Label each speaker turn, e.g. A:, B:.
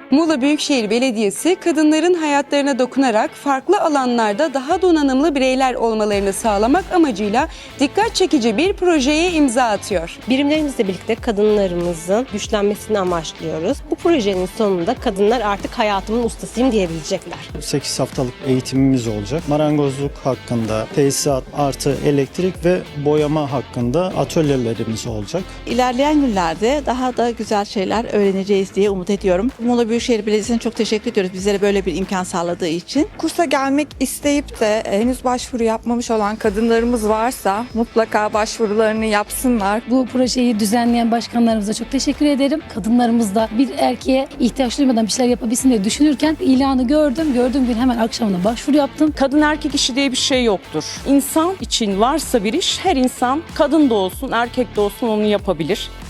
A: Muğla Büyükşehir Belediyesi, kadınların hayatlarına dokunarak farklı alanlarda daha donanımlı bireyler olmalarını sağlamak amacıyla dikkat çekici bir projeye imza atıyor.
B: Birimlerimizle birlikte kadınlarımızın güçlenmesini amaçlıyoruz. Bu projenin sonunda kadınlar artık hayatımın ustasıyım diyebilecekler.
C: 8 haftalık eğitimimiz olacak. Marangozluk hakkında, tesisat artı elektrik ve boyama hakkında atölyelerimiz olacak.
D: İlerleyen günlerde daha da güzel şeyler öğreneceğiz diye umut ediyorum. Muğla Büyükşehir Belediyesi'ne çok teşekkür ediyoruz bizlere böyle bir imkan sağladığı için.
E: Kursa gelmek isteyip de henüz başvuru yapmamış olan kadınlarımız varsa mutlaka başvurularını yapsınlar.
F: Bu projeyi düzenleyen başkanlarımıza çok teşekkür ederim. Kadınlarımız da bir erkeğe ihtiyaç duymadan bir şeyler yapabilsin diye düşünürken ilanı gördüm. Gördüğüm gün hemen akşamına başvuru yaptım.
G: Kadın erkek işi diye bir şey yoktur. İnsan için varsa bir iş, her insan kadın da olsun erkek de olsun onu yapabilir.